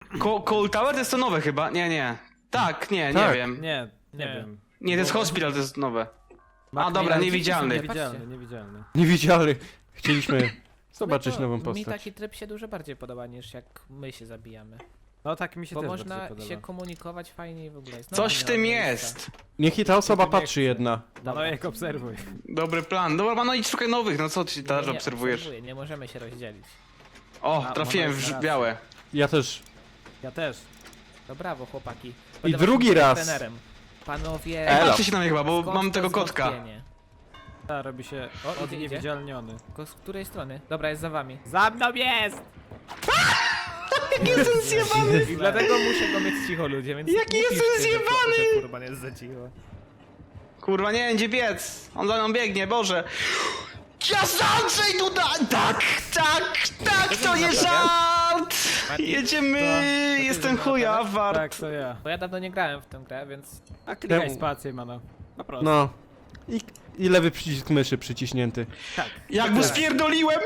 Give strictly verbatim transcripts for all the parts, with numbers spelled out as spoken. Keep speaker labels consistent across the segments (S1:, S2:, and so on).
S1: Co Cold Tower to jest to nowe chyba? Nie, nie. Tak, nie,
S2: Tak.
S1: nie wiem.
S3: Nie, nie,
S4: Nie.
S3: wiem.
S1: Nie, to jest Hospital, to jest nowe. A
S3: Macmillan,
S1: dobra,
S3: ci są
S1: niewidzialny.
S3: Niewidzialny, niewidzialny.
S2: Niewidzialny. Chcieliśmy zobaczyć
S4: to
S2: nową
S4: Mi
S2: postać.
S4: taki tryb się dużo bardziej podoba niż jak my się zabijamy.
S3: No tak mi się
S4: Bo
S3: też
S4: można
S3: bardziej podoba.
S4: się komunikować fajnie i w ogóle. Znowu
S1: Coś
S4: nie
S1: w
S4: ma
S1: tym
S4: miejsca.
S1: jest.
S2: Niech i ta osoba
S3: Nie
S2: patrzy
S3: chcę.
S2: jedna.
S3: No jak obserwuj.
S1: Dobry plan. Dobra, ma no idź szukaj nowych, no co ty
S4: Nie,
S1: teraz
S4: nie,
S1: obserwujesz?
S4: obserwuję, nie możemy się rozdzielić.
S1: O,
S3: A,
S1: trafiłem
S3: może
S1: w
S3: jest
S1: białe.
S2: Ja też.
S3: Ja też.
S4: To brawo, chłopaki.
S2: I
S4: Będę
S2: drugi
S4: waszym
S2: raz.
S4: trenerem. Panowie,
S1: Ej,
S2: Elo.
S1: patrzcie się na mnie chyba, bo
S4: skąd
S1: mam
S4: to
S1: tego kotka.
S4: zwątpienie?
S3: Ta robi się
S4: O, idzie, idzie.
S3: odniewidzialniony.
S4: Ko- Z której strony? Dobra, jest za wami.
S3: Za mną jest!
S1: Jestem zjebany!
S4: I dlatego muszę go mieć cicho, ludzie, więc
S1: Jaki
S4: nie
S1: jestem
S4: piszcie, że-
S1: zjebany!
S4: że Furman jest za cicho.
S1: Kurwa, nie będzie biec. On za mną biegnie, Boże. Ja Andrzej Duda! Tak, tak, tak, to nie żart! Jedziemy!
S4: To- to
S1: Jestem
S4: ty
S1: chuja,
S4: naprawiasz?
S1: wart.
S3: Tak, to ja.
S4: Bo ja dawno nie grałem w tę grę, więc...
S3: A klikaj
S2: Temu-
S3: spację, mano. Po prostu.
S2: No. I, I lewy przycisk myszy przyciśnięty.
S3: Tak.
S1: Jak mu spierdoliłem!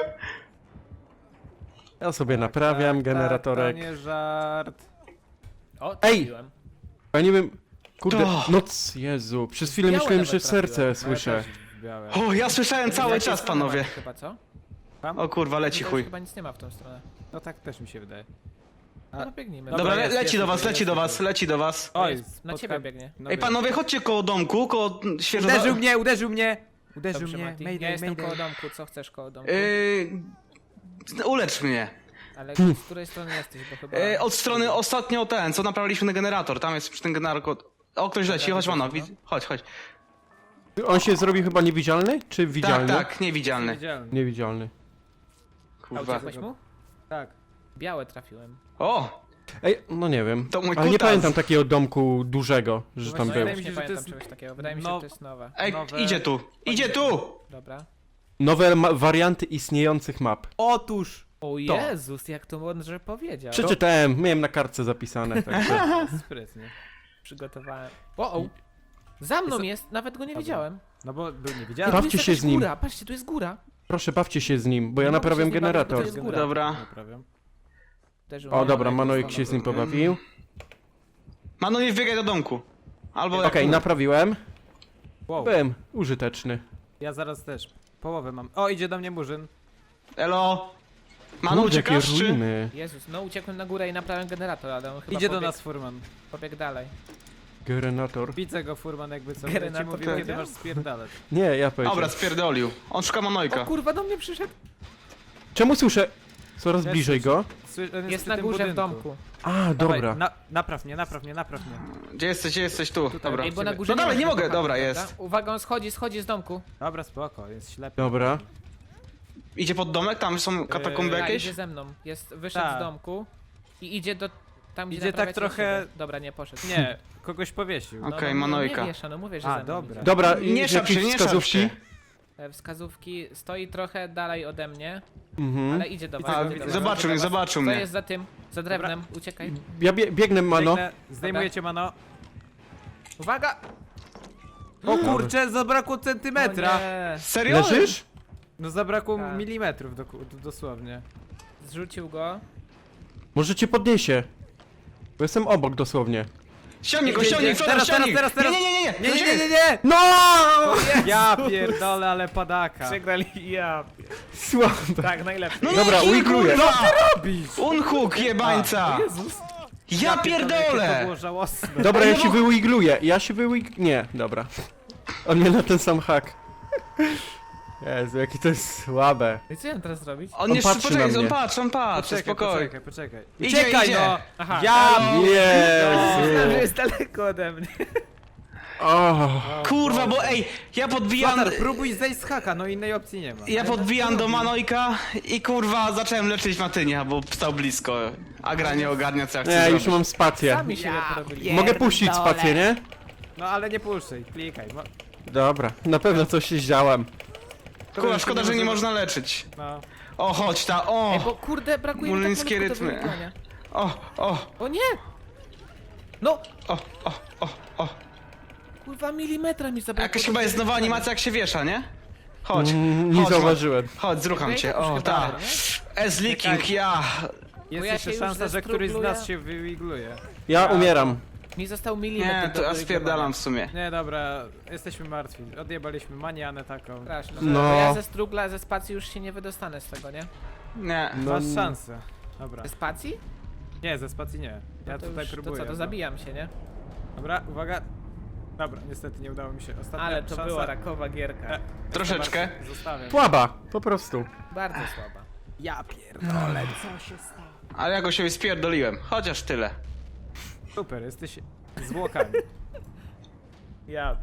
S2: Ja sobie naprawiam
S3: Tak,
S2: generatorek.
S3: Tak, to nie żart.
S4: O,
S2: Ej!
S4: trafiłem.
S2: Ja nie wiem. Kurde,
S1: To.
S2: noc, Jezu. Przez chwilę
S4: Białe
S2: myślałem, że
S4: nawet trafiłem.
S2: serce
S3: No ja
S2: słyszę.
S3: też w białe.
S1: O, ja słyszałem cały
S4: Jakiej
S1: czas,
S4: strony
S1: panowie.
S4: macie Chyba, co?
S1: O kurwa, leci
S4: Tutaj
S1: chuj.
S4: Chyba nic nie ma w tą stronę.
S3: No tak też mi się wydaje.
S4: No biegnijmy.
S3: Dobra,
S1: Dobra, le
S3: jest,
S1: leci
S3: jest,
S1: do was,
S3: jest,
S1: leci
S3: jest,
S1: do
S3: jest.
S1: was, leci do was.
S3: Oj,
S4: jest, na
S3: spotka-
S4: ciebie biegnie.
S3: No
S1: Ej,
S3: wiem.
S1: panowie, chodźcie koło domku, koło świeżo...
S3: Uderzył mnie, uderzył mnie! Uderzył
S4: Dobrze,
S3: mnie,
S4: Mati.
S3: mayday,
S4: Ja jestem
S3: mayday.
S4: koło domku, co chcesz koło domku?
S1: Yy, ulecz mnie.
S4: Ale z której strony jesteś, bo chyba...
S1: Yy, od strony ostatnio ten, co naprawiliśmy ten generator. Tam jest przy tym generator... O, ktoś leci, chodź mano, widz- chodź, chodź.
S2: On się zrobi chyba niewidzialny? Czy
S1: Tak,
S2: widzialny?
S1: tak, niewidzialny.
S3: Widzialny.
S2: Niewidzialny.
S4: A
S1: Kurwa.
S4: uciekłeś mu?
S3: Tak.
S4: Białe trafiłem.
S1: O!
S2: Ej, no nie wiem.
S1: To mój
S2: Ale nie
S1: kutas.
S2: pamiętam takiego domku dużego, że tam
S3: Właśnie
S2: był.
S3: wydaje mi
S4: Nie
S3: się, że to
S4: pamiętam
S3: jest...
S4: czegoś takiego, wydaje mi się,
S3: no-
S4: że to jest nowe.
S1: Ej,
S3: Nowe-
S1: idzie tu, idzie tu!
S4: Dobra.
S2: Nowe ma- warianty istniejących map.
S3: Otóż!
S4: O Jezus, jak to mądrze powiedział.
S2: Przeczytałem, miałem na kartce zapisane. Także.
S3: Sprytnie.
S4: Przygotowałem. O, o. Za mną jest, nawet go nie widziałem.
S3: No bo był
S4: Ej,
S3: niewidzialny.
S4: tu
S2: Bawcie
S4: jest
S2: się
S4: jakaś
S2: z nim.
S4: góra, patrzcie, tu jest góra.
S2: Proszę, bawcie się z nim, bo ja
S4: Nie mogę
S2: naprawiam
S4: się z nim bawić, bo to
S2: generator.
S4: jest góra.
S1: Dobra.
S3: Naprawiam.
S4: Uderzył
S2: O,
S4: mnie.
S2: dobra,
S3: jak
S2: Manojek
S3: to
S2: się z nim
S1: stanowi.
S2: pobawił.
S1: Mano, nie wbiegaj do domku. Albo jak...
S2: Okej, naprawiłem.
S3: Wow.
S2: Byłem użyteczny.
S3: Ja zaraz też. Połowę mam. O, idzie do mnie murzyn.
S1: Elo! Mano,
S2: Kurde, jakie
S1: uciekasz czy...
S2: ruiny.
S4: Jezus, no uciekłem na górę i naprawiłem generator, ale on chyba
S3: Idzie do
S4: pobiegł,
S3: nas furman.
S4: pobiegł dalej.
S2: Generator.
S3: Widzę go furman jakby co.
S4: Generator
S3: Będę ci mówił,
S4: powiedział?
S3: kiedy masz spierdalać.
S2: Nie, ja powiedziałem.
S1: Dobra, spierdolił. On szuka
S4: O
S1: Manojka.
S4: kurwa, do mnie przyszedł.
S2: Czemu słyszę coraz
S3: Ja
S2: bliżej
S3: słyszę.
S2: go?
S3: Sły- on
S4: Jest
S3: przy
S4: na
S3: tym
S4: górze w
S3: budynku.
S4: domku.
S2: A,
S3: Dawaj,
S2: dobra.
S3: Na, napraw mnie, napraw mnie, napraw mnie.
S1: Gdzie jesteś, gdzie jesteś? Tu, dobra.
S4: Ej, bo na górze
S1: No dalej,
S4: ma
S1: nie mogę,
S4: chłopaka,
S1: dobra,
S4: prawda?
S1: jest.
S4: Uwaga, on schodzi, schodzi z domku.
S3: Dobra, spoko, jest ślepy.
S2: Dobra.
S1: Idzie pod domek, tam są katakomby
S3: Eee,
S4: Tak,
S1: jakieś?
S4: idzie ze mną. Jest, wyszedł
S3: Tak.
S4: z domku i idzie do... Tam, gdzie
S3: Idzie tak
S4: naprawiacie
S3: trochę-
S4: siebie. Dobra, nie poszedł.
S3: Nie, kogoś powiesił.
S4: No,
S1: Okej,
S4: no, no,
S1: Manojka.
S4: Nie wiesza, no mówię, że
S3: A,
S4: ze mną
S3: dobra.
S4: idzie.
S2: Dobra,
S1: Nie
S2: i
S1: szap się,
S2: jakieś
S1: nie szap
S2: wskazówki?
S1: się.
S4: E, Wskazówki stoi trochę dalej ode mnie,
S2: Mhm.
S4: ale idzie do was.
S3: Widzę,
S1: A,
S4: idzie do was,
S1: zobaczył
S4: idzie
S1: mnie,
S4: do was.
S1: zobaczył
S4: Co
S1: mnie.
S4: jest za tym? Za drewnem, uciekaj.
S2: Ja bie biegnę, mano.
S3: Biegnę, zdejmuję cię, mano.
S4: Uwaga!
S3: O kurczę, zabrakło centymetra.
S4: O nie.
S1: Serio?
S2: Leżysz?
S3: No zabrakło
S4: Tak.
S3: milimetrów do, do, dosłownie.
S4: Zrzucił go.
S2: Może cię podniesie. Bo jestem obok dosłownie.
S1: Ściągnij go,
S3: Idzie,
S1: ściągnij,
S3: idzie.
S1: Flodor,
S3: Teraz, teraz,
S1: ściągnij!
S3: teraz, teraz.
S1: Nie, nie, nie, nie,
S3: Nie, nie, nie, nie,
S1: nie.
S3: nie!
S2: No!
S3: Ja pierdolę, ale padaka.
S4: Przegrali, ja.
S2: Słabe.
S4: Tak, najlepszy.
S1: No
S2: Dobra,
S1: nie,
S2: ujgruję.
S1: kurwa!
S3: Robisz!
S1: Unhook, jebańca!
S4: Jezus.
S1: Ja
S3: Jakie to
S1: pierdolę!
S3: było żałosne.
S2: Dobra,
S1: Ej,
S2: ja
S1: no
S2: się
S1: bo-
S2: wyigluję. Ja się wyig... Nie, dobra. On mnie na ten sam hak. Jezu, jakie to jest słabe.
S4: I co ja mam teraz zrobić?
S1: On
S2: On
S1: jeszcze,
S2: patrzy
S1: poczekaj,
S2: na
S1: on
S2: mnie.
S1: patrzy, on patrzy,
S3: Poczekaj,
S1: spokojnie.
S3: poczekaj, poczekaj.
S1: Idzie,
S3: Uciekaj,
S1: idzie.
S3: no!
S4: Aha.
S3: Ja
S4: Myślałem, że
S2: Jezu.
S4: jest daleko ode mnie.
S2: O,
S1: Kurwa, bo ej, ja podbijam...
S3: Lotar, próbuj zejść z haka, no innej opcji nie ma.
S1: Ja podbijam do Manojka i kurwa zacząłem leczyć Matynia, bo stał blisko. A gra nie ogarnia co ja chcę
S2: nie,
S1: zrobić.
S2: już mam spację.
S4: Sami się porobili.
S2: Mogę puścić spację, nie?
S3: No ale nie puszczaj, klikaj. No,
S2: Dobra, na pewno coś się zdziałam.
S1: Kurwa, szkoda, że nie można leczyć.
S3: no.
S1: O, chodź ta,
S4: Ej,
S1: o!
S4: bo kurde, brakuje mi tak
S1: Molińskie
S4: malutko do
S1: rytmy.
S4: wygrania.
S1: O, o,
S4: O nie! No!
S1: o, o, o, o.
S4: Kurwa, milimetra mi zabrakło.
S1: Jakaś
S4: do
S1: chyba jest nowa
S4: wygrania.
S1: animacja jak się wiesza, nie? Chodź,
S2: Mm, nie
S1: chodź,
S2: zauważyłem.
S1: Chodź, zrucham
S4: Okej,
S1: cię,
S4: to już
S1: o,
S4: chyba
S1: ta.
S4: dalej, nie?
S1: S-leaking, ja.
S3: Jest
S4: ja
S3: jeszcze
S4: się już
S3: szansa, że któryś z
S4: zestrugluję.
S3: nas się wywigluje.
S2: Ja umieram.
S4: Mi został milimetr
S1: Nie,
S4: do
S1: to ja
S4: wygrania.
S1: spierdalam w sumie.
S3: Nie, dobra, jesteśmy martwi. Odjebaliśmy manianę taką.
S4: Straszne.
S2: No.
S4: Bo ja ze strugla, ze spacji już się nie wydostanę z tego, nie?
S1: Nie.
S2: No,
S3: Masz szansę. Dobra.
S4: Ze spacji?
S3: Nie, ze spacji nie. Ja
S4: No to
S3: tutaj
S4: już,
S3: próbuję.
S4: To co, to
S3: no.
S4: zabijam się, nie?
S3: Dobra, uwaga. Dobra, niestety nie udało mi się. Ostatnia
S4: Ale to
S3: szansa.
S4: była rakowa gierka.
S3: E,
S1: Troszeczkę.
S3: Zostawiam.
S2: Słaba, po prostu.
S4: Bardzo słaba.
S3: Ja pierdolę, co się stało?
S1: Ale ja go się spierdoliłem. Chociaż tyle.
S3: Super, jesteś zwłokami.
S4: Ja.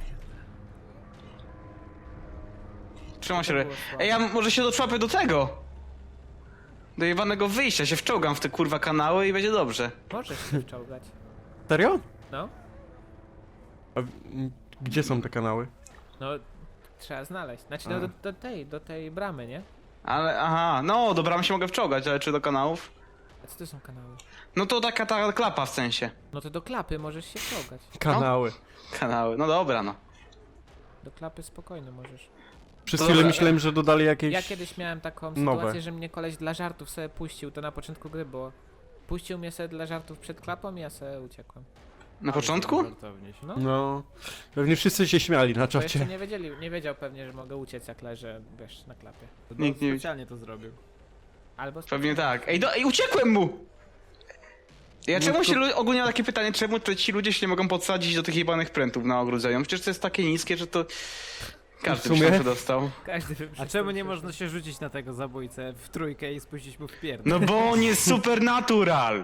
S1: Trzymam się.
S4: To
S1: re-
S4: było słabe.
S1: Ej, ja może się doczłapię do tego. Do jebanego wyjścia, się wczołgam w te kurwa kanały i będzie dobrze.
S4: Możesz się wczołgać.
S2: Serio?
S4: No.
S2: A, w- m, gdzie są te kanały?
S4: No, trzeba znaleźć. Znaczy, no,
S1: A.
S4: do, do tej, do tej bramy, nie?
S1: Ale, aha, no do bramy się mogę wczołgać, ale czy do kanałów?
S4: A co to są kanały?
S1: No to taka ta klapa w sensie.
S4: No to do klapy możesz się wczołgać.
S2: Kanały.
S1: Kanały, no dobra no.
S4: Do klapy spokojnie możesz.
S2: Przez
S1: To
S2: chwilę
S1: dobra.
S2: myślałem, że dodali jakieś...
S4: Ja kiedyś miałem taką
S2: nowe.
S4: sytuację, że mnie koleś dla żartów sobie puścił, to na początku gry było. Puścił mnie sobie dla żartów przed klapą i ja sobie uciekłem.
S1: Na początku?
S3: Żartownie się.
S4: No,
S2: No. Pewnie wszyscy się śmiali na
S4: bo jeszcze
S2: czacie.
S4: nie wiedzieli, nie wiedział pewnie, że mogę uciec jak leżę, wiesz, na klapie.
S3: No,
S1: Nikt nie
S3: specjalnie to zrobił.
S4: Albo
S1: Pewnie tak. Ej, do, ej uciekłem mu! Ja
S2: No
S1: czemu
S2: to-
S1: się, lu- ogólnie mam takie pytanie, czemu te- ci ludzie się nie mogą podsadzić do tych jebanych prętów na ogrodzeniu? Przecież to jest takie niskie, że to... Każdy
S2: W
S1: by
S2: sumie?
S1: się dostał.
S4: Każdy by
S3: A
S4: przez
S3: czemu
S4: to
S3: nie
S4: przeszedł.
S3: można się rzucić na tego zabójcę w trójkę i spuścić mu w pierdol?
S1: No bo on jest supernatural!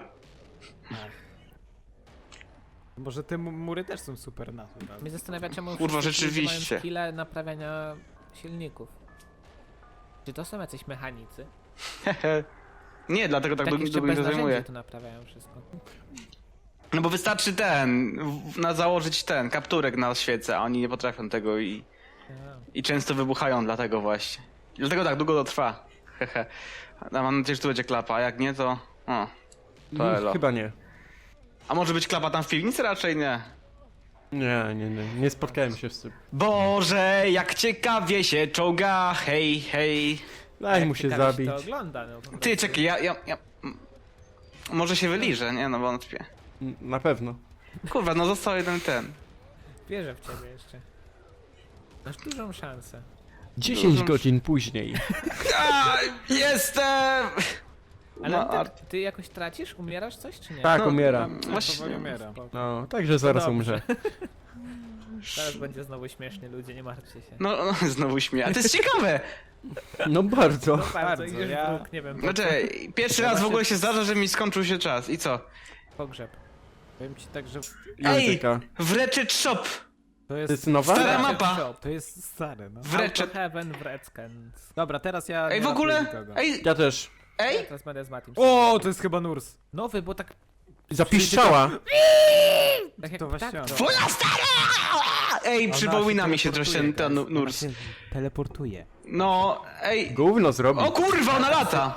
S3: Może te mu- mury też są super natural.
S4: Mnie zastanawia, czemu
S1: Kurwa,
S4: wszyscy ludzie
S1: rzeczywiście.
S4: mają skille naprawiania silników. Czy to są jacyś mechanicy?
S1: Nie, dlatego tak
S4: Tak
S1: długo
S4: jeszcze
S1: długo
S4: bez
S1: się zajmuje.
S4: narzędzi to naprawiają wszystko.
S1: No bo wystarczy ten, w- na założyć ten, kapturek na świecę, a oni nie potrafią tego i,
S4: Ja.
S1: i często wybuchają dlatego właśnie. I dlatego tak długo to trwa. Hehe. A mam nadzieję, że tu będzie klapa, a jak nie to... O. To elo.
S2: Mm, Chyba nie.
S1: A może być klapa tam w piwnicy? Raczej nie.
S2: Nie, nie, nie. Nie spotkałem się z tym.
S1: Boże, jak ciekawie się czołga, hej, hej.
S2: Daj
S4: Jak
S2: mu się
S4: ciekawie
S2: zabić.
S4: to ogląda, no, po prostu.
S1: Ty, czekaj, ja, ja, ja... m- Może się wyliżę, nie no wątpię.
S2: N- Na pewno.
S1: Kurwa, no został jeden ten.
S4: Wierzę w ciebie jeszcze. Masz dużą szansę.
S2: dziesięć
S1: Dużo-
S2: godzin później.
S1: A, jestem!
S4: Ale
S1: No,
S4: ty, ty jakoś tracisz? Umierasz coś, czy nie?
S2: Tak,
S1: No,
S2: umiera.
S3: Ja
S1: Właśnie.
S3: powoli umieram.
S2: No, także zaraz
S4: Dobrze.
S2: umrze.
S4: Teraz będzie znowu śmiesznie, ludzie, nie martwcie się.
S1: No, no znowu śmieję. A to jest ciekawe!
S2: No bardzo.
S4: Bardzo,
S3: bardzo,
S4: idziesz
S3: ja-
S4: w róg, nie wiem, po,
S1: Znaczy, pierwszy raz w ogóle się zdarza, że mi skończył się czas. I co?
S4: pogrzeb.
S3: Powiem ci tak, że
S1: Ej!
S2: Języka.
S1: W Ratchet Shop!
S3: to
S2: To
S3: jest...
S2: jest nowa?
S1: Stara mapa!
S3: To jest stare, no.
S1: W Ratchet...
S4: Heaven w Redskins.
S3: Dobra, teraz ja
S1: Ej,
S3: nie
S1: w ogóle...
S3: ratuję nikogo.
S1: Ej,
S2: Ja też.
S1: ej!
S4: Teraz będę z Matim.
S3: O, to jest chyba Nurs.
S4: Nowy, bo tak,
S2: Zapiszczała.
S4: tak jak
S3: To właśnie
S4: tak,
S3: on.
S4: to.
S1: Twoja stara! Ej, przypomina mi się troszkę ten nu- nurs.
S3: Teleportuje.
S1: No, ej...
S2: Gówno zrobi.
S1: O kurwa, ona lata!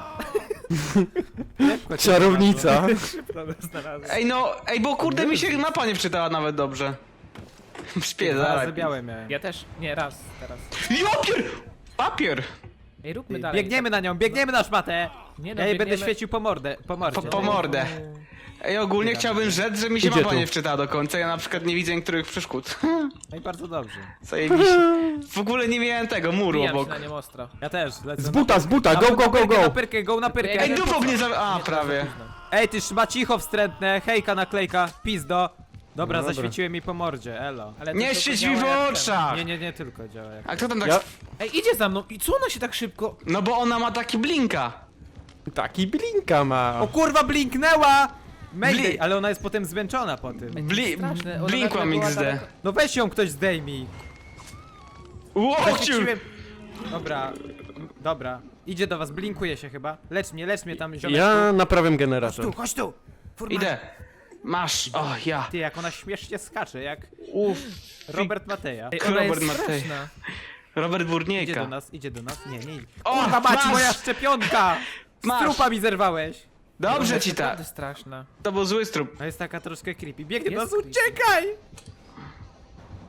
S2: Czarownica.
S1: Ej no, ej, bo kurde mi się mapa nie wczytała nawet dobrze. Śpię,
S3: Dwa razy
S1: zaraz.
S3: białe miałem.
S4: Ja też, nie, raz, teraz.
S1: Papier! Papier!
S4: Ej, róbmy dalej.
S3: Biegniemy na nią, biegniemy na szmatę!
S4: Nie no,
S3: Ja jej będę
S4: biegniemy-
S3: świecił po mordę, po mordzie.
S1: Po, po mordę. Ej, ogólnie chciałbym rzec, że mi się
S2: Idzie
S1: mapa
S2: tu.
S1: nie wczytała do końca. Ja na przykład nie widzę niektórych przeszkód.
S3: No i bardzo dobrze.
S1: Zajebiście. W ogóle nie miałem tego muru
S4: Bijam się
S1: obok.
S4: na nim ostro.
S3: Ja też, lecę
S2: Z
S3: na-
S2: buta, z buta,
S3: na-
S2: go,
S3: na
S2: go, go,
S3: pyrkę, Na
S2: go.
S3: pyrkę, go na pyrkę!
S1: Ej, dupą mnie za... A,
S4: Nie,
S1: prawie.
S4: teraz za późno.
S3: Ej, ty szma cicho wstrętne, hejka naklejka, pizdo. Dobra,
S2: No dobra.
S3: zaświeciłem mi po mordzie, elo.
S4: Ale to
S1: Nie
S4: tylko
S1: świeć
S4: działa
S1: mi w
S4: jak ten.
S1: oczach!
S3: Nie, nie, nie tylko działa jak...
S1: A kto tam tak...
S2: Ja...
S4: Ej, idzie za mną i co ona się tak szybko...
S1: No bo ona ma taki blinka.
S2: Taki blinka ma.
S3: O kurwa, blinknęła! Mayday,
S1: Bli-
S3: ale ona jest potem zmęczona po tym.
S1: Bli...
S4: Straszne, ona
S1: Blinkłam
S4: nagle była
S1: X D.
S4: daleko.
S3: No weź ją ktoś zdejmij.
S1: Łociu!
S3: Zaświeciłem... Dobra, dobra. Idzie do was, blinkuje się chyba. Lecz mnie, lecz mnie tam, ziomeczku.
S2: Ja naprawiam
S3: Chodź
S2: generator.
S3: tu, chodź tu! Furman.
S1: Idę. Masz. O, ja.
S3: Ty, jak ona śmiesznie skacze, jak
S1: Uff.
S3: Robert Mateja.
S4: Ej, ona jest
S1: Robert Matej.
S4: straszna.
S1: Robert
S3: Idzie do
S1: Burniejka.
S3: nas, idzie do nas. Nie, nie idzie.
S1: O,
S3: Kurwa mać,
S1: masz!
S3: moja szczepionka! Z
S1: Masz.
S3: trupa mi zerwałeś!
S1: Dobrze
S4: Ona
S1: ci
S4: jest
S1: tak.
S4: naprawdę straszna.
S1: To był zły strup.
S3: To jest taka troszkę creepy. Biegnie do nas,
S4: Jest creepy.
S3: uciekaj!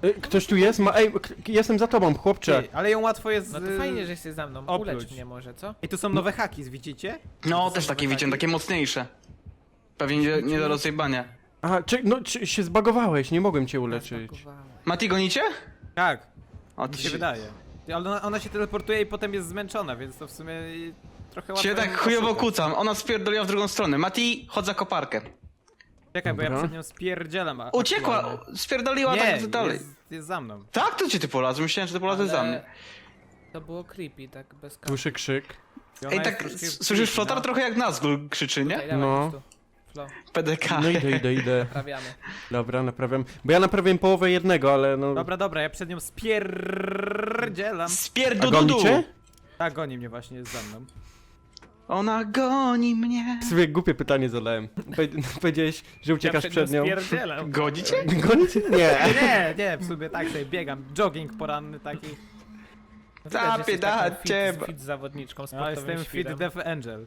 S2: Y, Ktoś tu jest? Ma... Ej, k- jestem za tobą, chłopcze.
S3: Ty, ale ją łatwo jest...
S4: No to
S3: y,
S4: fajnie, że jesteś za mną.
S3: opluć.
S4: Ulecz mnie może, co?
S3: I tu są nowe haki, widzicie?
S1: No, też takie widziałem, takie mocniejsze. Pewnie nie, nie do rozjebania.
S2: Aha, czy, no, czy się zbagowałeś, nie mogłem cię uleczyć.
S4: Zbagowałem.
S1: Mati, gonicie?
S3: Tak,
S1: O,
S3: mi
S1: ty
S3: się wydaje. Ale ona, ona się teleportuje i potem jest zmęczona, więc to w sumie y, trochę łatwo
S1: Cię
S3: ją
S1: tak chujowo
S3: oszukać.
S1: kucam, ona spierdoliła w drugą stronę. Mati, chodź za koparkę.
S3: Czekaj, bo ja
S2: Dobra.
S3: przed nią spierdzielam. a-
S1: Uciekła,
S3: aktualnie.
S1: spierdoliła
S3: Nie,
S1: tak dalej.
S3: Jest, jest za mną.
S1: Tak, to cię ty polazł, myślałem, że ty polazłeś za mnie.
S4: To było creepy, tak bez kapi.
S2: Słyszę krzyk.
S3: I ona
S1: Ej,
S3: jest
S1: tak,
S3: troszkę
S1: s- słyszysz
S3: creepy,
S1: flotar
S3: no.
S1: trochę jak Nazgul krzyczy, nie?
S4: Tutaj, dawaj,
S2: No.
S4: no. tu. Flo,
S1: P D K.
S2: No idę, idę, idę.
S4: prawiamy.
S2: Dobra, naprawiam. Bo ja naprawiłem połowę jednego, ale no...
S3: Dobra, dobra, ja przed nią spierdzielam.
S2: A
S1: Spierdududu!
S2: gonicie?
S3: Tak, goni mnie właśnie, jest za mną.
S1: Ona goni mnie.
S2: Sobie głupie pytanie zadałem. Powie- Powiedziałeś, że uciekasz przed nią.
S3: spierdzielam.
S1: Godzicie?
S2: Gonicie? Nie.
S3: Nie, nie, w sumie tak sobie biegam. Jogging poranny taki.
S4: No widać, że jesteś taką
S1: Zapiedacie,
S4: fit, fit zawodniczką,
S3: Ja
S4: sportowym
S3: jestem fit
S4: świrem.
S3: Death Angel.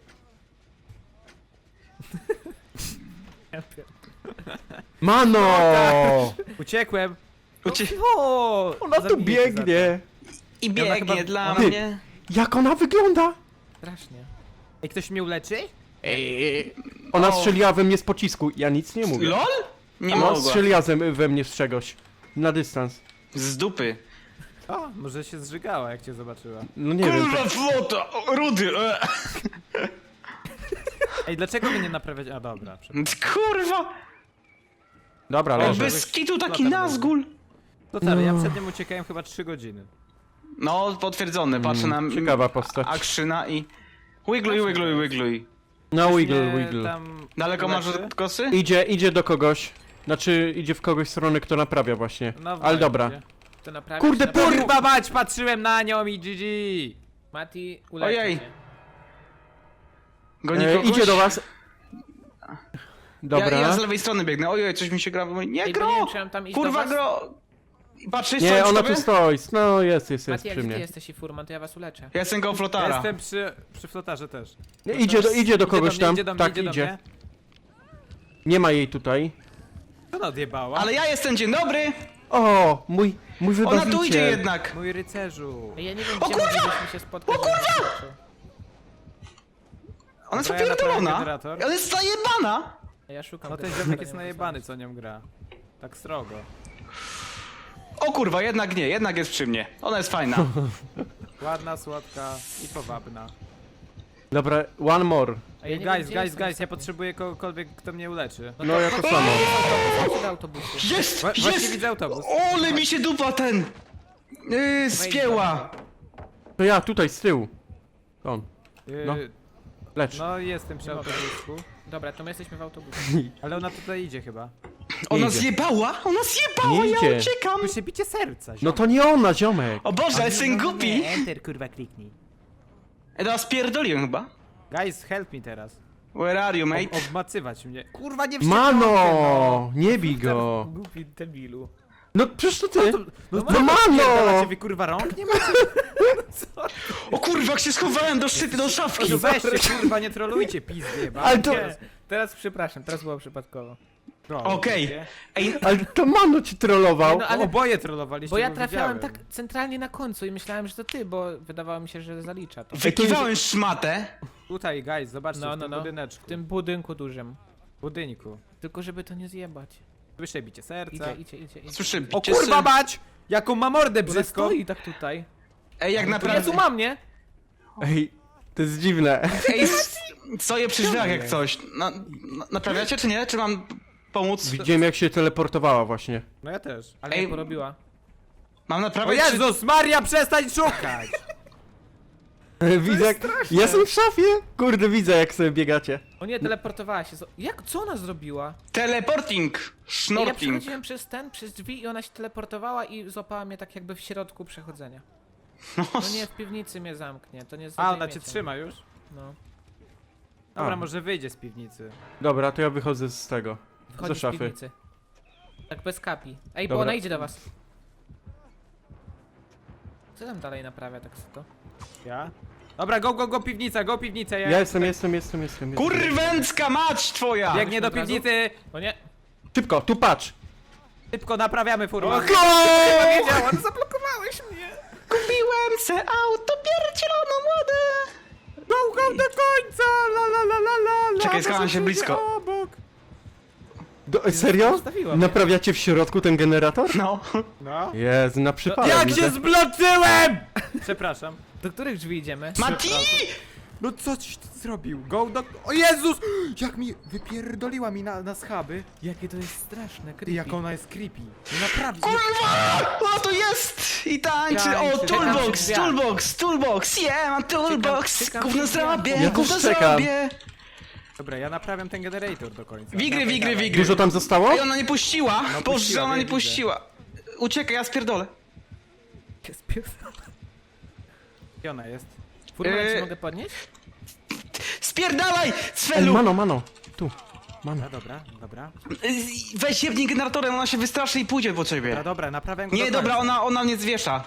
S2: Mano!
S3: Uciekłem.
S1: Ucie...
S3: O,
S2: Ona tu
S3: zabijecie za to.
S2: biegnie.
S1: I
S3: Ona chyba-
S1: biegnie dla
S2: Ty.
S1: mnie.
S2: Jak ona wygląda?
S4: Strasznie.
S3: Ej, ktoś mnie uleczy?
S1: Ej,
S2: Ona
S1: O.
S2: strzeliła we mnie z pocisku. Ja nic nie mówię.
S1: LOL? Nie
S2: Ona
S1: mogła.
S2: strzeliła ze- we mnie z czegoś. Na dystans.
S1: Z dupy.
S3: O, może się zżygała jak cię zobaczyła.
S2: No nie wiem.
S1: Kurwa flota! o, Rudy! e.
S3: Ej, dlaczego mnie nie naprawiać? A dobra, przepraszam.
S1: Kurwa!
S2: Dobra,
S1: O,
S2: leży.
S1: bez kitu taki
S3: Flotar
S1: Nazgul.
S3: To tak, ja przed nim uciekałem chyba trzy godziny.
S1: No, potwierdzone, patrzę na...
S2: Mm, ciekawa postać.
S1: Akrzyna i... Wigluj, wigluj, wigluj.
S2: No wiggle,
S3: Nie,
S2: wiggle.
S3: tam
S1: Daleko masz
S3: uleczy?
S1: od kosy?
S2: Idzie, idzie do kogoś. Znaczy, idzie w kogoś strony, kto naprawia właśnie.
S3: No
S2: Ale
S3: właśnie.
S2: dobra.
S4: To naprawić,
S2: Kurde,
S4: naprawić.
S3: Kurwa mać, patrzyłem na nią i G G!
S4: Mati, ulecz
S1: Ojej.
S4: mnie.
S1: Goni
S2: E,
S1: kogoś?
S2: idzie do was. Dobra.
S1: Ja, ja z lewej strony biegnę. Ojej, coś mi się gra. Mówi, nie,
S4: Ej, bo nie wiem,
S1: gro!
S4: czy mam tam iść do
S1: Kurwa,
S4: was?
S1: gro! Patrzysz,
S2: Nie,
S1: co
S2: ona
S1: tobie?
S2: tu stoi. No jest, jest, jest
S4: Mati, jak
S2: przy
S4: ty
S2: mnie.
S4: jesteś i furman, to ja was uleczę.
S1: Ja jestem koło
S3: Ja
S1: flotara.
S3: jestem przy, przy flotarze też.
S2: Nie, idzie, do, idzie do kogoś
S3: idzie do
S2: tam.
S3: mnie, idzie do mnie,
S2: Tak,
S3: idzie. Do
S2: idzie.
S3: mnie.
S2: Nie ma jej tutaj.
S3: Co ona odjebała?
S1: Ale ja jestem, dzień dobry!
S2: O, mój, mój
S1: Ona
S2: wybawiciel.
S1: tu idzie jednak.
S3: Mój rycerzu.
S4: Ej, ja nie wiem,
S1: O
S4: gdzie
S1: kurwa!
S4: moglibyśmy się spotkać.
S1: O kurwa!
S4: żebym zobaczył.
S1: Ona jest
S3: Dobra, ja naprawię
S1: popierdolona.
S3: generator.
S1: Ona jest zajebana.
S4: Ja szukam
S3: No ten
S4: tego,
S3: ziomek
S4: to
S3: jest
S4: nie
S3: najebany,
S4: mogę
S3: co nią gra. Tak srogo.
S1: O kurwa, jednak nie, jednak jest przy mnie. Ona jest fajna.
S3: Ładna, słodka i powabna.
S2: Dobra, one more.
S4: znaleźć. A ja nie wiem,
S3: Guys,
S4: gdzie
S3: guys,
S4: jestem.
S3: guys, ja potrzebuję kogokolwiek, kto mnie uleczy.
S2: No ja to samo.
S4: Chodź do autobusu.
S1: Jest!
S3: Wła- właśnie
S1: Jest!
S3: widzę autobus.
S1: Ole mi się dupa ten! Yy, spięła!
S2: To ja, tutaj, z tyłu. On,
S3: Yy,
S2: No. lecz.
S3: no jestem przy
S4: Nie mogę.
S3: autobusku.
S4: Dobra, to my jesteśmy w autobusie.
S3: Ale ona tutaj idzie chyba.
S1: Ona
S2: idzie.
S1: zjebała! Ona zjebała!
S2: Nie
S1: Ja
S2: idzie.
S1: uciekam!
S3: Tu się bicie serca.
S2: No to nie ona, ziomek.
S1: O Boże, ale jestem
S3: No,
S1: głupi!
S3: nie, enter kurwa kliknij.
S1: Ej, teraz pierdoliłem chyba.
S3: Guys, help me teraz.
S1: Where are you, mate?
S3: Ob obmacywać mnie. Kurwa, nie
S2: Mano, nie bij go.
S4: Głupi debilu.
S2: No przecież to ty.
S3: No,
S2: No
S3: Macie
S2: mano!
S3: wy kurwa rąk? Nie macie?
S1: O kurwa, jak się schowałem do szczyty, do szafki!
S3: No weźcie kurwa, nie trolujcie pizdy,
S2: Ale to,
S4: Teraz, teraz przepraszam, teraz było przypadkowo.
S1: Okej. Ej,
S2: ale to mano ci trollował.
S4: No,
S3: Ale
S4: ale-
S3: oboje trollowaliście,
S4: Bo ja trafiałem
S3: widziałem.
S4: tak centralnie na końcu i myślałem, że to ty, bo wydawało mi się, że zalicza to.
S1: wykiwałem szmatę.
S3: Tutaj, guys, zobaczcie,
S4: No,
S3: w
S4: no,
S3: tym
S4: no.
S3: budyneczku.
S4: W tym budynku dużym.
S3: budynku.
S4: Tylko żeby to nie zjebać.
S3: Słyszę bicie serca.
S4: Idzie, idzie, idzie, idzie.
S1: Słyszę
S3: O
S1: bicie
S3: kurwa
S1: sy-
S3: mać! Jaką ma mordę
S4: Ona
S3: brzydko!
S4: stoi tak tutaj.
S1: Ej, jak
S4: Ja
S1: naprawdę...
S4: tu mam, nie?
S2: Ej, to jest dziwne.
S1: Ej, s- stoję przy drzwiach jak coś. Na, na, naprawiacie czy nie? Czy mam pomóc?
S2: Widziałem jak się teleportowała właśnie.
S3: No ja też.
S4: Ale
S1: Ej,
S4: mnie porobiła.
S1: Mam
S3: O
S1: naprawiać czy...
S3: Jezus Maria, przestań szukać!
S2: Widzę jak... Jestem w szafie. Kurde, widzę jak sobie biegacie.
S4: O nie, teleportowała się. z- Jak? Co ona zrobiła?
S1: Teleporting!
S4: Ej, ja
S1: Schnorting.
S4: przechodziłem przez ten, przez drzwi i ona się teleportowała i złapała mnie tak jakby w środku przechodzenia.
S1: No,
S4: No nie, w piwnicy mnie zamknie, to nie
S3: A,
S4: zdejmiecie.
S3: ona cię trzyma już?
S4: No.
S3: Dobra,
S2: A.
S3: może wyjdzie z piwnicy.
S2: Dobra, to ja wychodzę z tego.
S4: Wchodzi
S2: Ze
S4: z
S2: szafy.
S4: piwnicy. Tak bez kapi. Ej, bo
S2: Dobra.
S4: ona idzie do was. Co tam dalej naprawia tak to?
S3: Ja? Dobra, go, go, go, piwnica, go, piwnica, ja...
S2: Ja jestem, jestem, jestem, jestem. jestem.
S1: kurwęcka mać twoja!
S3: Biegnie do
S4: Od razu?
S3: piwnicy!
S4: O nie,
S2: Szybko, tu patrz.
S3: Szybko naprawiamy furman.
S2: Go!
S3: Wiedziałem, zablokowałeś mnie.
S1: Kupiłem se auto pierdzielono młode.
S3: Go, go do końca, la la la la la la.
S1: Czekaj, schowam się
S3: Może
S1: blisko.
S3: Obok.
S2: Do, serio?
S4: Zostawiła mnie.
S2: Naprawiacie w środku ten generator?
S1: No.
S3: No.
S2: Jezu, na przypadek.
S3: Jak
S2: widzę.
S3: się zbloczyłem! Przepraszam.
S4: Do których drzwi idziemy?
S1: Mati!
S3: No co ci ty zrobił? Go do... O Jezus! Jak mi wypierdoliła mi na, na schaby.
S4: Jakie to jest straszne,
S3: Ty,
S4: creepy.
S3: jak ona jest creepy. No naprawdę.
S1: Kurwa! O, to jest! I tańczy! O,
S4: Tańczy.
S1: toolbox,
S4: Czekam przy
S1: toolbox, toolbox! Yeah, mam toolbox!
S4: czekam
S1: Gówno
S4: przy drzwiach.
S1: zrobię,
S2: Ja
S1: gówno
S2: też czekam.
S1: zrobię!
S3: Dobra, ja naprawiam ten generator do końca.
S1: Wigry,
S3: Dawaj,
S1: wigry,
S3: dawaj.
S1: wigry.
S2: Dużo tam zostało?
S1: Ej, ona nie puściła!
S3: No,
S1: Boże,
S3: puściła,
S1: ona
S3: wiem,
S1: nie
S3: widzę.
S1: puściła! Uciekaj, ja spierdolę.
S4: Jest pies.
S3: Gdzie ona jest?
S4: Furman,
S1: Eee.
S4: czy mogę podnieść?
S1: Spierdalaj,
S2: Ej,
S1: Cfelu!
S2: mano, mano. Tu. Mano.
S3: Dobra, dobra, dobra.
S1: Y, Weź jebnij generatorem, ona się wystraszy i pójdzie po ciebie.
S3: Dobra, dobra, naprawiam go
S1: Nie,
S3: do
S1: dobra,
S3: końca.
S1: ona, ona mnie zwiesza.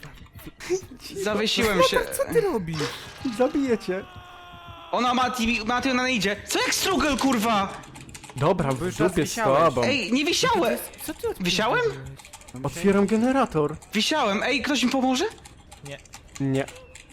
S1: Zawiesiłem się.
S3: Co ty robisz?
S2: Zabijecie.
S1: Ona Mati, Mati, ona nie idzie. Co jak struggle, kurwa?
S2: Dobra,
S3: Bo
S2: w
S3: już raz
S2: dupie z
S3: wisiałeś.
S2: tobą.
S1: Ej, nie wisiałem!
S4: Co ty odpierdoliłeś?
S1: Wisiałem?
S2: Otwieram generator.
S1: Wisiałem, ej, ktoś mi pomoże?
S4: Nie.
S2: Nie.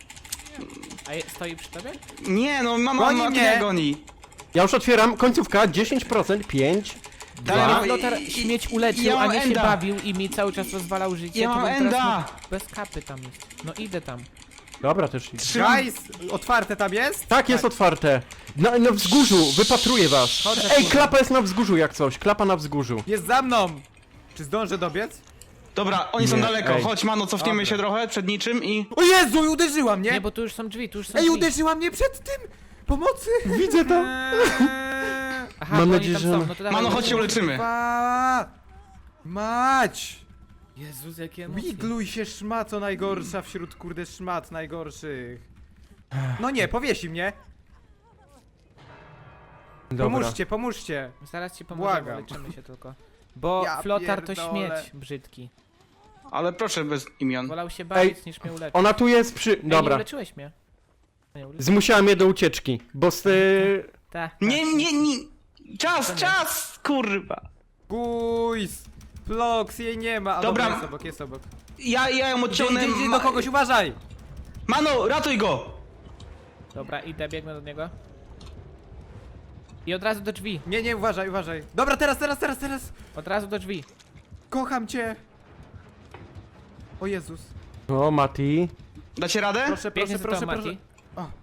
S4: A je, stoi przy tobie?
S1: Nie, no mama
S3: Goni
S1: Mati
S3: mnie.
S1: nie goni.
S2: Ja już otwieram. Końcówka. dziesięć procent. pięć.
S1: Dalej,
S2: Dwa.
S1: mam-
S4: Flotar
S1: i-
S4: śmieć uleczył,
S1: ja
S4: a
S1: mam
S4: nie się
S1: enda.
S4: bawił i mi cały czas rozwalał życie.
S1: Ja
S4: to
S1: mam
S4: bym teraz
S1: enda.
S4: mógł- Bez kapy tam jest. No idę tam.
S2: Dobra, też idę.
S1: Trzymam.
S3: Guys, otwarte tam jest?
S2: Tak, jest otwarte. Na, na wzgórzu. Wypatruję was.
S4: Chodzę,
S2: Ej,
S4: kurwa.
S2: klapa jest na wzgórzu jak coś. Klapa na wzgórzu.
S3: Jest za mną! Czy zdążę dobiec?
S1: Dobra, oni są
S2: Nie,
S1: daleko.
S2: ej.
S1: Chodź, mano, cofniemy
S3: Dobra.
S1: się trochę przed niczym i...
S3: O Jezu, uderzyła mnie!
S4: Nie, bo tu już są drzwi, tu już są
S3: Ej,
S4: drzwi.
S3: uderzyła mnie przed tym! Pomocy!
S2: Widzę to.
S3: Eee,
S4: Aha,
S2: Mam
S4: bo
S2: nadzieję,
S4: oni tam
S2: że-
S4: są. No to dawaj,
S1: Mano, chodź się
S4: uleczymy.
S1: uleczymy.
S3: Kurwa! Mać!
S4: Jezus, jakie emocje.
S3: Wigluj się szmato najgorsza wśród kurde szmat najgorszych. No nie, powiesi mnie.
S2: Dobra.
S3: Pomóżcie, pomóżcie.
S4: Zaraz ci pomożemy,
S3: Błagam.
S4: leczymy się tylko. Bo
S3: Ja
S4: flotar to
S3: pierdolę.
S4: śmieć brzydki.
S1: Ale proszę bez imion.
S4: Wolał się bawić niż mnie uleczyć.
S2: Ona tu jest przy...
S4: Ej, nie
S2: Dobra.
S4: uleczyłeś mnie. Nie uleczyłeś.
S2: Zmusiła mnie do ucieczki, bo z ty...
S4: Tak.
S1: Nie, nie, nie. Czas,
S4: To nie.
S1: czas, kurwa.
S3: Guys! Vlogs jej nie ma. A
S1: Dobra.
S3: dobra, jest obok, jest obok.
S1: Ja, ja ją
S3: Idzie,
S1: odciągnę.
S3: idzie, idzie
S1: Ma-
S3: do kogoś, uważaj!
S1: Mano, ratuj go!
S4: Dobra, idę, biegnę do niego. I od razu do drzwi.
S3: Nie, nie, uważaj, uważaj. Dobra, teraz, teraz, teraz, teraz!
S4: Od razu do drzwi.
S3: Kocham cię! O Jezus.
S2: O, Mati.
S1: Dacie radę?
S3: Proszę,
S4: Biegnie
S3: proszę,
S4: za
S3: proszę,
S4: tobą,
S3: proszę.
S4: Mati.
S3: O.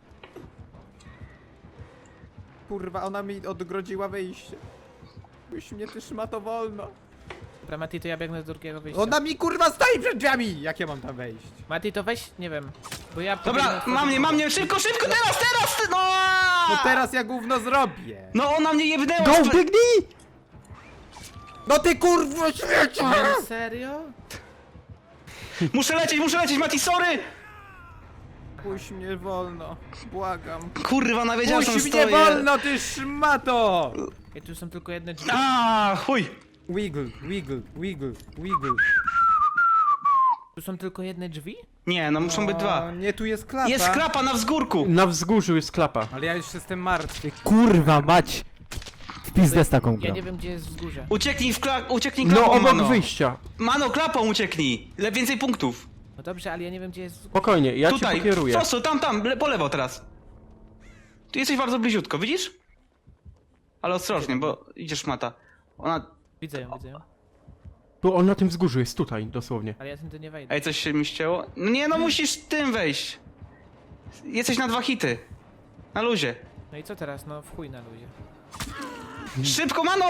S3: Kurwa, ona mi odgrodziła wyjście. Byś mnie ty szmato wolno.
S4: Dobra, Mati, to ja biegnę do drugiego wyjścia.
S3: Ona mi kurwa stoi przed drzwiami! Jak ja mam tam wejść?
S4: Mati, to weź, nie wiem. Bo ja pobiegnę
S1: Dobra,
S4: otworzyć
S1: mam mnie,
S4: drzwi.
S1: mam mnie, szybko, szybko, teraz, teraz! ty- No!
S3: No teraz ja gówno zrobię!
S1: No ona mnie jebnęła!
S2: Go,
S1: sp-
S2: biegnij!
S3: No ty kurwa śmiecie!
S4: Nie, serio?
S1: Muszę lecieć, muszę lecieć, Mati, sorry!
S3: Puść mnie wolno, błagam.
S1: Kurwa, ona wiedziała, że tam
S3: Puść mnie
S1: stoję.
S3: wolno, ty szmato!
S4: Ej, tu są tylko jedne drzwi.
S1: A, chuj!
S3: Wiggle, wiggle, wiggle, wiggle.
S4: Tu są tylko jedne drzwi?
S1: Nie, no muszą być
S3: O,
S1: dwa.
S3: nie, tu jest klapa.
S1: Jest klapa na wzgórku!
S2: Na wzgórzu jest klapa.
S3: Ale ja już jestem martwy.
S5: Kurwa mać! W pizdę z taką
S4: Ja
S5: grą.
S4: nie wiem, gdzie jest wzgórze.
S1: Ucieknij w kla... ucieknij
S2: No,
S1: klapą,
S2: obok
S1: mano.
S2: wyjścia.
S1: Mano, klapą ucieknij! Le więcej punktów.
S4: No dobrze, ale ja nie wiem, gdzie jest wzgórze.
S2: Spokojnie, ja cię
S1: Tutaj,
S2: pokieruję.
S1: prosto, tam, tam, le po lewo teraz. Tu jesteś bardzo bliziutko, widzisz? Ale ostrożnie, bo idziesz mata. Ona...
S4: Widzę ją, widzę ją.
S2: Tu on na tym wzgórzu jest, tutaj, dosłownie.
S4: Ale ja tędy nie wejdę.
S1: Ej, coś się mi ścięło? No nie, no musisz tym wejść. Jesteś na dwa hity. Na luzie.
S4: No i co teraz? No w chuj na luzie.
S1: Szybko, mano!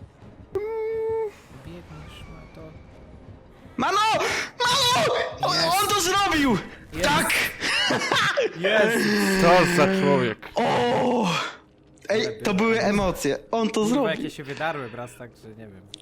S4: Biegniesz, ma to...
S1: Mano! Mano! On, on to zrobił! Tak!
S2: Co za człowiek.
S1: O! Ej, to były emocje. On to
S3: Kurwa,
S1: zrobił.
S3: jakie się wydarły wraz, tak, że nie wiem.